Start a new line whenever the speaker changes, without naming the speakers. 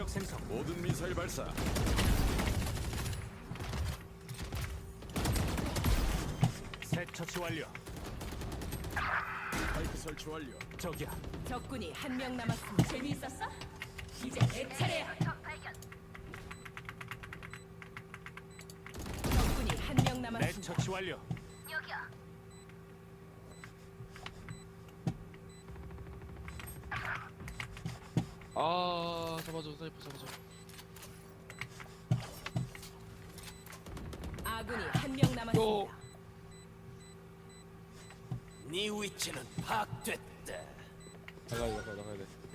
목적 생성.
모든 미사일 발사.
새 처치 완료.
파이프 설치 완료.
저기야.
적군이 한 명 남았습니다. 재미있었어? 이제 내 차례야. 적군이 한 명
내
남았습니다.
처치 완료.
아 잡아줘 사이프 잡아줘.
아군이 한 명 남았습니다.
네 위치는 파악됐다.
나가야 돼.